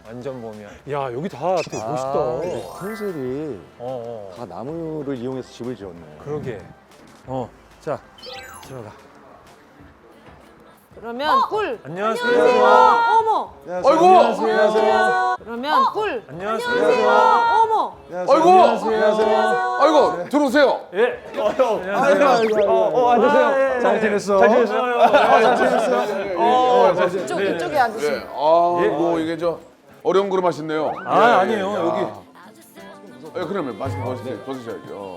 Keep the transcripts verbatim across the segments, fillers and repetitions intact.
완전 봄이야. 야 여기 다 되게 멋있다. 아, 컨셉이 어, 어. 다 나무를 이용해서 집을 지었네. 그러게. 어, 자 들어가. 그러면 꿀. 안녕하세요. 어머. 아이고! 안녕하세요. 그러면 꿀. 안녕하세요. 어머. 아이고! 안녕하세요. 아이고, 들어오세요. 예. 아이고, 아이고, 어, 어, 앉으세요. 잘 지냈어? 잘 지냈어요? 잘 지냈어? 어, 잘 지냈어? 이쪽 이쪽에 앉으시면. 예. 아, 뭐 이게 저 어려운 그릇 하셨네요. 아 예, 아니에요 예. 여기. 예, 그러면 말씀 벗으세요. 벗으셔야죠.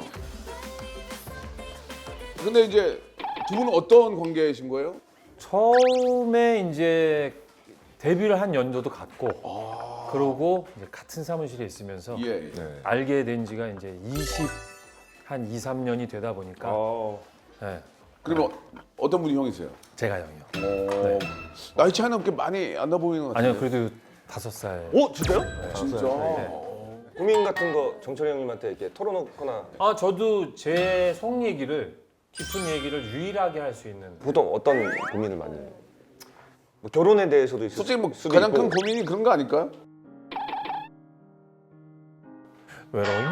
근데 이제 두 분은 어떤 관계이신 거예요? 처음에 이제 데뷔를 한 연도도 같고, 그러고 이제 같은 사무실에 있으면서 예. 예. 알게 된 지가 이제 이십 한 이, 삼 년이 되다 보니까 네, 그러면 어떤 분이 형이세요? 제가 형이요. 어, 나이 차이는 그렇게 많이 안 나 보이는 것 같아요. 아니요 그래도 다섯 살. 오 진짜요? 진짜. 고민 같은 거 정철이 형님한테 이렇게 털어놓거나 아 저도 제 속 얘기를 깊은 얘기를 유일하게 할 수 있는. 보통 어떤 고민을 많이 해요? 뭐 결혼에 대해서도 있을 솔직히 뭐 수도 가장 있고. 큰 고민이 그런 거 아닐까요? 외로움?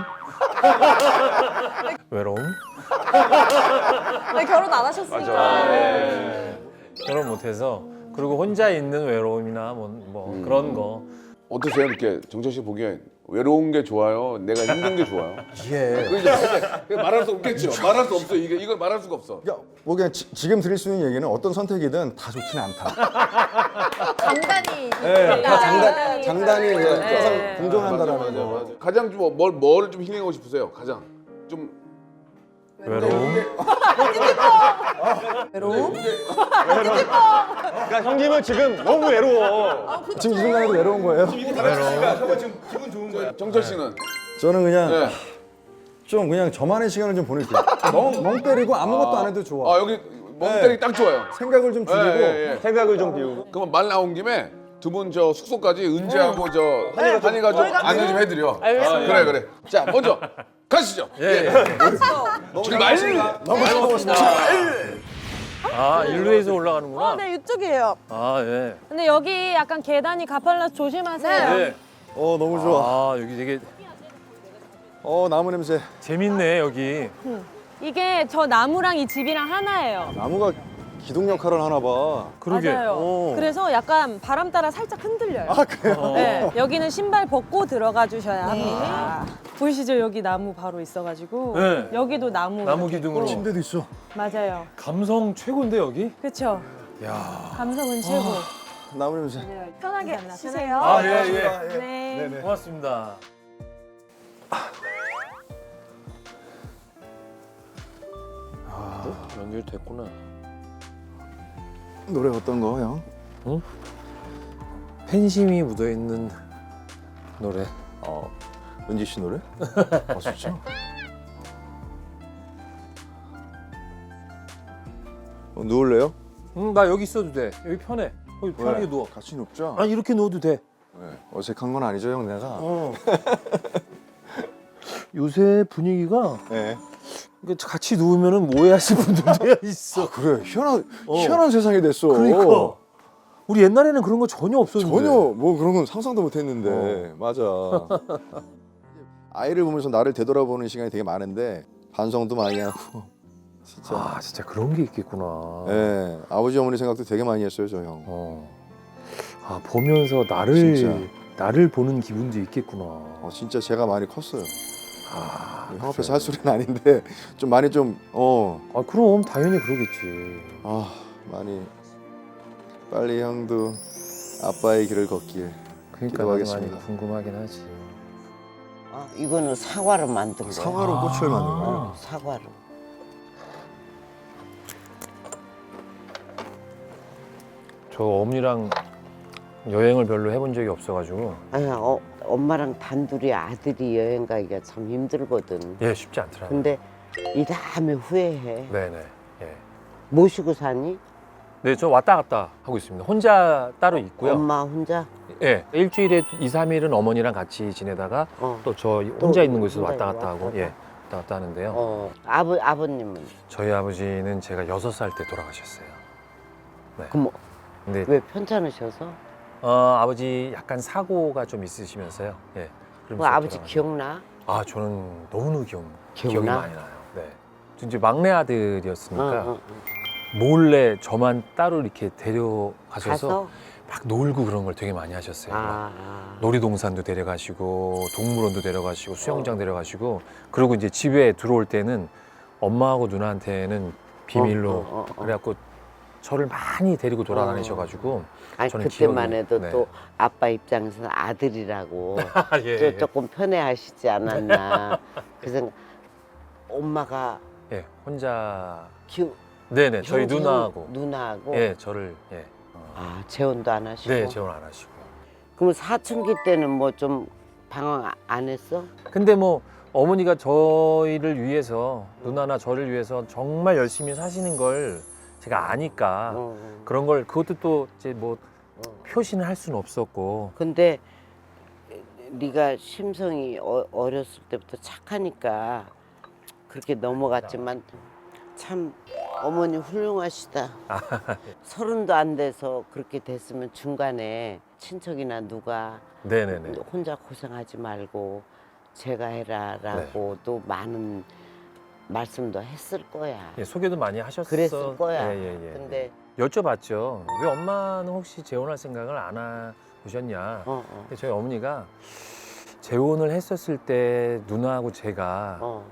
외로움? 네, 결혼 안 하셨으니까. 네. 결혼 못해서 그리고 혼자 있는 외로움이나 뭐, 뭐 음. 그런 거. 어떠세요? 이렇게 정철 씨 보기엔 외로운 게 좋아요? 내가 힘든 게 좋아요? 예. 그거 이제 그게 말할 수 없겠죠. 말할 수 없어. 이게 이걸 말할 수가 없어. 그러니까 뭐 그냥 지, 지금 드릴 수 있는 얘기는 어떤 선택이든 다 좋진 않다. 장단이. 네, 다 장단, 장단이 네. 항상 공존한다라는 맞아, 거. 맞아. 가장 좀뭘 뭘 좀 힐링하고 싶으세요? 가장 좀 외로움? 외로움? 그러니까 형님은 지금 너무 외로워. 지금 이 순간에도 외로운 거예요? 정철 씨는 저는 그냥 네. 좀 그냥 저만의 시간을 좀 보낼게요. 멍, 멍 때리고 아무것도 안 해도 좋아. 아 여기 멍때리 딱 좋아요. 생각을 좀 줄이고 예, 예, 예. 생각을 좀 비우고. 그러면 말 나온 김에 두 분 저 숙소까지 은지하고 저 한이가, 한이가 좀 안내 좀 해드려. 알겠습니다. 아, 그래 그래. 자 먼저 가시죠. 예, 예. 출발. 너무 즐거웠습니다. 아 일루에서 올라가는구나. 어, 네, 이쪽이에요. 아 예. 근데 여기 약간 계단이 가팔라서 조심하세요. 예. 어 너무 좋아. 아 여기 되게 어 나무 냄새. 재밌네 여기. 이게 저 나무랑 이 집이랑 하나예요. 나무가 기둥 역할을 하나 봐. 그러게. 맞아요. 오. 그래서 약간 바람 따라 살짝 흔들려요. 아 그래요? 네, 여기는 신발 벗고 들어가 주셔야 합니다. 보이시죠? 여기 나무 바로 있어가지고 네. 여기도 나무. 나무 기둥으로. 침대도 있어. 맞아요. 감성 최고인데 여기? 그렇죠. 야. 감성은 최고. 나무 냄새. 편하게 쉬세요. 아 예 예. 네. 고맙습니다. 아 연결됐구나. 노래 어떤 거 형? 팬심이 묻어 있는 노래. 어 은지 씨 노래? 아 진짜? 어, 누울래요? 응, 나 여기 있어도 돼. 여기 편해. 여기 편하게 왜? 누워. 같이 눕자. 아 이렇게 누워도 돼. 왜? 어색한 건 아니죠 형 내가? 어. 요새 분위기가 네. 그러니까 같이 누우면은 오해하실 분들도 있어. 그래 희한한 어. 희한한 세상이 됐어. 그러니까 우리 옛날에는 그런 거 전혀 없었는데. 전혀 뭐 그런 건 상상도 못했는데 맞아. 아이를 보면서 나를 되돌아보는 시간이 되게 많은데 반성도 많이 하고 진짜. 아 진짜 그런 게 있겠구나. 예, 아버지 어머니 생각도 되게 많이 했어요 저 형. 어. 아 보면서 나를 진짜. 나를 보는 기분도 있겠구나. 어, 진짜 제가 많이 컸어요. 아, 형 앞에서 할 소리는 아닌데 좀 많이 좀 어. 아 그럼 당연히 그러겠지. 아 많이 빨리 형도 아빠의 길을 걷길. 그러니까 나도 많이 기도하겠습니다. 궁금하긴 하지. 아, 이거는 사과로 만든 거야. 사과로 꽃을 만든 거예요. 어, 사과로. 저 어머니랑 여행을 별로 해본 적이 없어가지고 아니, 어, 엄마랑 단둘이 아들이 여행 가기가 참 힘들거든. 예 쉽지 않더라고요. 근데 이 다음에 후회해. 네네. 예. 모시고 사니? 네, 저 왔다 갔다 하고 있습니다. 혼자 따로 있고요. 엄마 혼자? 예. 일주일에 이, 삼 일은 어머니랑 같이 지내다가 어. 또 저 혼자 있는 곳에서 혼자 왔다 갔다 왔다 하고 갔다. 예. 왔다 갔다 하는데요. 어. 아버, 아버님은? 저희 아버지는 제가 여섯 살 때 돌아가셨어요. 그럼 근데 왜 편찮으셔서? 어, 아버지 약간 사고가 좀 있으시면서요. 예. 그 그러면서 아버지 돌아가셨- 기억나? 아 저는 너무너무 기억, 기억이 기억나? 많이 나요. 네. 저 이제 막내 아들이었으니까 응, 응, 응. 몰래 저만 따로 이렇게 데려가셔서 가서 막 놀고 그런 걸 되게 많이 하셨어요. 막 아, 아. 놀이동산도 데려가시고 동물원도 데려가시고 수영장 데려가시고 그리고 이제 집에 들어올 때는 엄마하고 누나한테는 비밀로 어, 어, 어, 어. 그래갖고 저를 많이 데리고 돌아다니셔가지고 아니 저는 그때만 기억이- 해도 네. 또 아빠 입장에서는 아들이라고 예, 저 예. 조금 편해하시지 않았나 그 생각. 엄마가 예, 혼자 기 네네 저희 형제, 누나하고 형, 누나하고 예 저를 예 어. 아 재혼도 안 하시고. 네 재혼 안 하시고 그럼 사춘기 때는 뭐 좀 방황 안 했어? 근데 뭐 어머니가 저희를 위해서 누나나 저를 위해서 정말 열심히 사시는 걸 제가 아니까 어, 어. 그런 걸 그것도 또 이제 뭐 어. 표시는 할 수는 없었고 근데 네가 심성이 어, 어렸을 때부터 착하니까 그렇게 넘어갔지만 참 어머니 훌륭하시다. 서른도 안 돼서 그렇게 됐으면 중간에 친척이나 누가 네네네 혼자 고생하지 말고 제가 해라라고 또 많은 말씀도 했을 거야. 예, 소개도 많이 하셨어 그랬을 거야. 예, 예, 예. 근데 여쭤봤죠 왜 엄마는 혹시 재혼할 생각을 안 하셨냐 어, 어, 저희 어머니가 재혼을 했었을 때 누나하고 제가 어,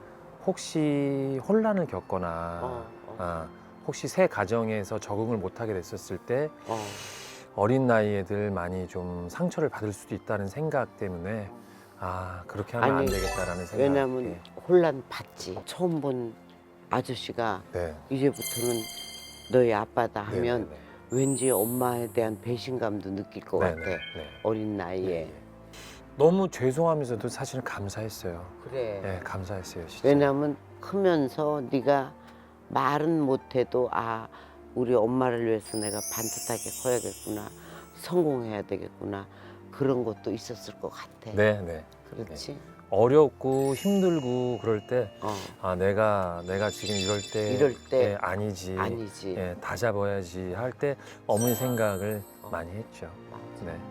혹시 혼란을 겪거나 어, 어, 아, 혹시 새 가정에서 적응을 못하게 됐었을 때 어. 어린 나이 애들 많이 좀 상처를 받을 수도 있다는 생각 때문에 아 그렇게 하면 아니, 안 되겠다라는 생각. 왜냐면 예. 혼란 받지. 처음 본 아저씨가 네. 이제부터는 너희 아빠다 네, 하면 네, 왠지 엄마에 대한 배신감도 느낄 것 네, 같아. 네, 네. 어린 나이에. 예, 예. 너무 죄송하면서도 사실은 감사했어요. 그래. 예, 감사했어요, 진짜. 왜냐면 크면서 네가 말은 못해도 아 우리 엄마를 위해서 내가 반듯하게 커야겠구나, 성공해야 되겠구나 그런 것도 있었을 것 같아. 네, 네. 그렇지. 어렵고 힘들고 그럴 때 어 아 내가 내가 지금 이럴 때 이럴 때 예, 아니지. 아니지. 예, 다 잡아야지 할 때 어머니 생각을 어. 많이 했죠. 맞아. 네.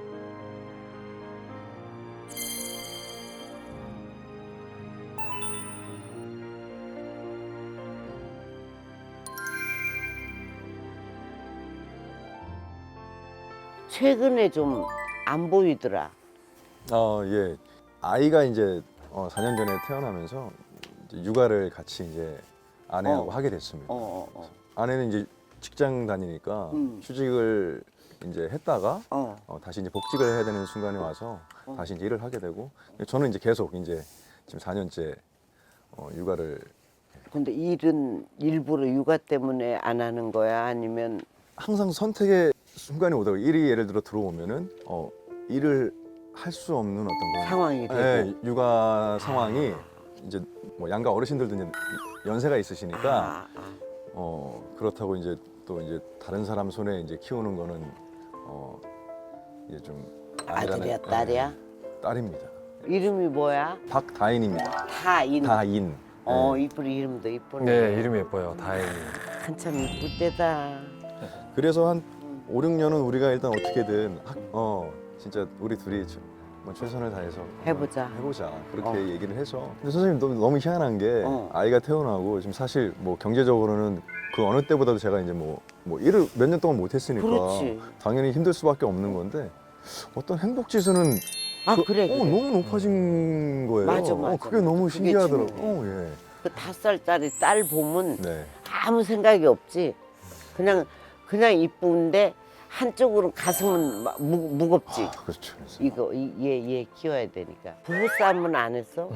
최근에 좀 안 보이더라. 어, 예. 아이가 이제 어, 사 년 전에 태어나면서 이제 육아를 같이 이제 아내하고 어. 하게 됐습니다. 어, 어, 아내는 이제 직장 다니니까 음. 휴직을 이제 했다가 어. 어, 다시 이제 복직을 해야 되는 순간에 와서 어. 다시 이제 일을 하게 되고 저는 이제 계속 이제 지금 사 년째 어, 육아를 근데 일은 일부러 육아 때문에 안 하는 거야? 아니면 항상 선택의 순간이 오다가 일이 예를 들어 들어오면은 어, 일을 할 수 없는 어떤 그런 상황이 되고? 예, 육아 상황이 이제 뭐 양가 어르신들도 이제 연세가 있으시니까 아, 아. 어 그렇다고 이제 또 이제 다른 사람 손에 이제 키우는 거는 어 이제 좀 아니라는- 아들이야, 딸이야? 예, 딸입니다. 이름이 뭐야? 박다인입니다. 다인. 다인. 어, 예. 이쁘리 이름도 이쁘네. 네, 이름이 예뻐요. 다행히. 한참 이쁠 때다. 그래서 한 오, 육 년은 우리가 일단 어떻게든 학- 어 진짜 우리 둘이 저- 뭐 최선을 다해서 해보자. 해보자 그렇게 어. 얘기를 해서 근데 선생님 너무, 너무 희한한 게 어. 아이가 태어나고 지금 사실 뭐 경제적으로는 그 어느 때보다도 제가 이제 뭐, 뭐 일을 몇 년 동안 못했으니까 그렇지. 당연히 힘들 수밖에 없는 건데 어떤 행복 지수는 아, 그- 그래, 어, 그래. 너무 높아진 거예요. 맞아, 어, 맞아, 그게 맞아. 너무 그게 신기하더라고. 중요해. 어, 예. 그 다섯 살짜리 딸 보면 네. 아무 생각이 없지. 그냥 그냥 이쁜데 한쪽으로 가슴은 막 무, 무겁지. 아, 그렇죠. 그래서 이거 얘얘 키워야 되니까. 부부 싸움은 안 했어?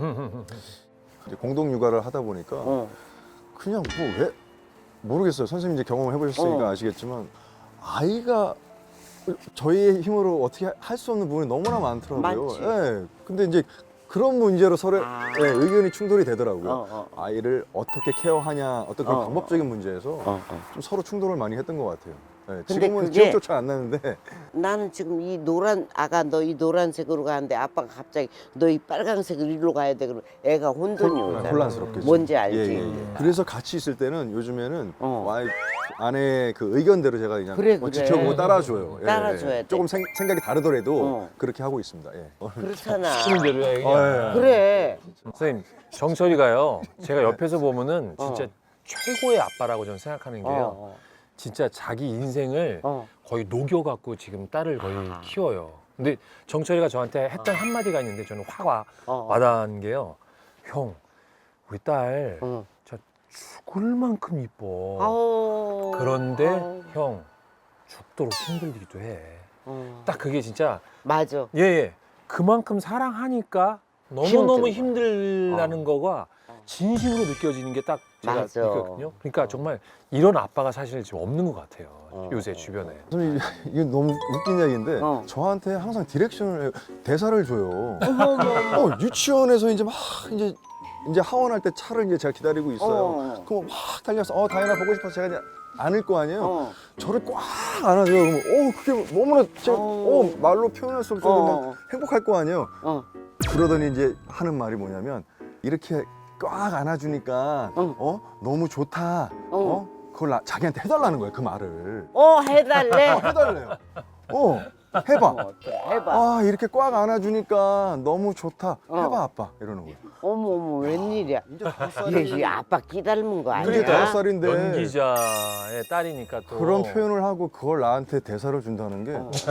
이제 공동 육아를 하다 보니까 어. 그냥 뭐 왜 모르겠어요. 선생님 이제 경험을 해보셨으니까 어. 아시겠지만 아이가 저희의 힘으로 어떻게 할 수 없는 부분이 너무나 많더라고요. 많지. 예. 근데 이제 그런 문제로 서로 아. 예, 의견이 충돌이 되더라고요. 어, 어, 어. 아이를 어떻게 케어하냐 어떤 그런 어, 방법적인 문제에서 어, 어. 좀 서로 충돌을 많이 했던 것 같아요. 네, 근데 지금은 그게- 기억조차 안 나는데 나는 지금 이 노란 아가 너 이 노란색으로 가는데 아빠가 갑자기 너 이 빨간색으로 이리로 가야 돼 그러면 애가 혼돈이 오잖아. 혼란스럽겠죠. 뭔지 알지? 예, 예, 예. 그래서 같이 있을 때는 요즘에는 어. 와이프 아내의 그 의견대로 제가 그냥 그래, 뭐 그래. 지켜보고 따라줘요. 예, 따라줘야 예. 돼. 조금 생, 생각이 다르더라도 어. 그렇게 하고 있습니다. 예. 그렇잖아. 시키는 대로 해. 어, 예, 예. 그래. 선생님, 정철이가요. 제가 옆에서 보면은 진짜 어. 최고의 아빠라고 저는 생각하는 게요. 어, 진짜 자기 인생을 어. 거의 녹여갖고 지금 딸을 거의 아. 키워요. 근데 정철이가 저한테 했던 한마디가 있는데 저는 확 와, 어, 어. 와닿은 게요. 형, 우리 딸 어. 진짜 죽을 만큼 이뻐. 아우. 그런데 아우. 형, 죽도록 힘들기도 해. 어. 딱 그게 진짜 맞아. 예, 예. 그만큼 사랑하니까 너무너무 힘든 힘들다는 거가 진심으로 느껴지는 게 딱 제가 맞아. 느꼈거든요. 그러니까 정말 이런 아빠가 사실 지금 없는 것 같아요. 어. 요새 주변에. 저는 이게 너무 웃긴 이야기인데 어. 저한테 항상 디렉션을 해요. 대사를 줘요. 어, 유치원에서 이제 막 이제 이제 하원할 때 차를 이제 제가 기다리고 있어요. 어. 그럼 막 달려서 어 다현아 보고 싶어서 제가 이제 안을 거 아니에요. 어. 저를 꽉 안아줘요. 그러면 어 그게 너무나 제가 어. 어 말로 표현할 수 없을 정도로 어. 막 행복할 거 아니에요. 어. 그러더니 이제 하는 말이 뭐냐면 이렇게 꽉 안아주니까 어. 어 너무 좋다. 어 그걸 나, 자기한테 해달라는 거예요. 그 말을 어 해달래. 해달래요. 어 해봐. 어, 해봐. 아 이렇게 꽉 안아주니까 너무 좋다. 어. 해봐 아빠 이러는 거예요. 어머 어머 웬일이야. 이제 다섯 얘, 얘 아빠 끼닮은 거 이제 아니야? 다섯 살인데 연기자의 딸이니까 또 그런 표현을 하고 그걸 나한테 대사를 준다는 게 어.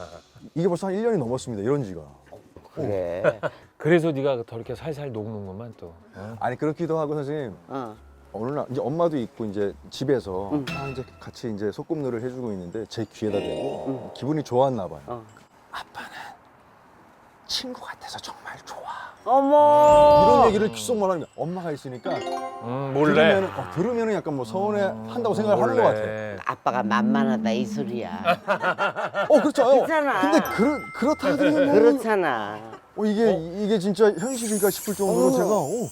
이게 벌써 한 일 년이 넘었습니다. 이런 지가. 그래. 그래서 네가 더 이렇게 살살 녹는구만 또. 어? 아니 그렇기도 하고 선생님 어. 어느 날 이제 엄마도 있고 이제 집에서 응. 아 이제 같이 이제 소꿉놀이를 해주고 있는데 제 귀에다 대고 기분이 좋았나 봐요. 어. 아빠는 친구 같아서 정말 좋아. 어머. 이런 얘기를 귓속말 하는 거야. 엄마가 있으니까 음, 몰래. 들으면은, 어, 들으면은 약간 뭐 서운해 한다고 생각을 하는 것 같아요. 아빠가 만만하다 이 소리야. 어 그렇죠. 어, 그렇잖아. 근데 그렇 그렇다 하더니 뭐 그렇잖아. 어, 이게 이게 진짜 현실인가 싶을 정도로 어. 제가 어,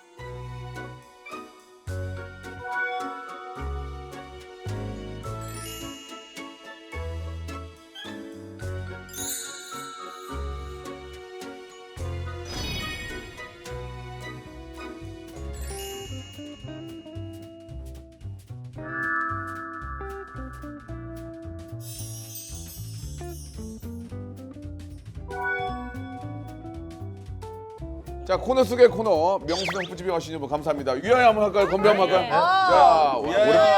자 코너 속의 코너 명수형 뿌집이 하시는 분 감사합니다. 위하여 한번 할까요? 건배 한번 할까요? 자 우리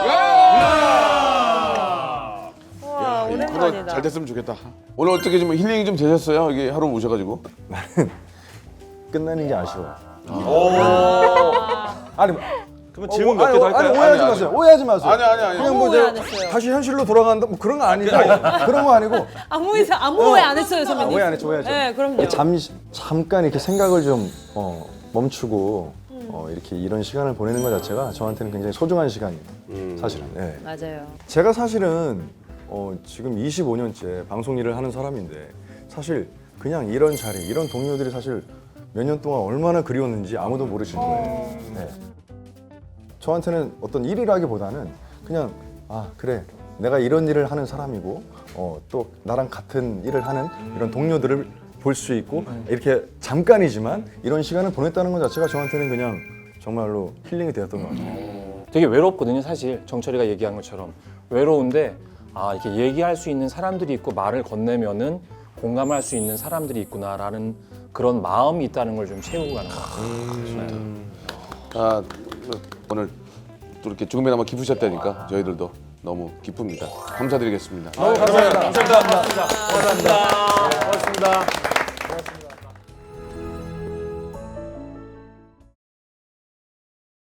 와, 이 코너 오랜만이다. 잘 됐으면 좋겠다. 오늘 어떻게 좀 힐링이 좀 되셨어요? 이게 하루 모셔가지고. 끝나는 게 아쉬워. 아. 아니 그러면 질문 몇 개 더 아니, 할까요? 아니, 오해하지 아니, 마세요. 오해하지 마세요. 아니 아니 아니. 그냥 뭐 아무 오해 이제 안 했어요. 다시 현실로 돌아간다 뭐 그런 거 아니고 그런 거 아니고 아무 이상 아무 오해 안 했어요, 선배님. 오해 안 했죠, 오해 안 했죠. 네, 그럼요. 잠시 잠깐 이렇게 생각을 좀 어, 멈추고 어, 이렇게 이런 시간을 보내는 것 자체가 저한테는 굉장히 소중한 시간이에요. 사실은. 예. 맞아요. 제가 사실은 어, 지금 이십오 년째 방송 일을 하는 사람인데 사실 그냥 이런 자리, 이런 동료들이 사실 몇 년 동안 얼마나 그리웠는지 아무도 모르시는 거예요. 네. 저한테는 어떤 일이라기보다는 그냥 아 그래 내가 이런 일을 하는 사람이고 어, 또 나랑 같은 일을 하는 이런 동료들을 볼 수 있고 이렇게 잠깐이지만 이런 시간을 보냈다는 것 자체가 저한테는 그냥 정말로 힐링이 되었던 것 같아요. 되게 외롭거든요, 사실. 정철이가 얘기한 것처럼. 외로운데 아, 이렇게 얘기할 수 있는 사람들이 있고 말을 건네면은 공감할 수 있는 사람들이 있구나라는 그런 마음이 있다는 걸 좀 채우고 가는 것 같아요. 아 오늘 또 이렇게 조금이나마 기쁘셨다니까 저희들도 너무 기쁩니다. 감사드리겠습니다. 감사합니다. 감사합니다. 감사합니다. 고맙습니다.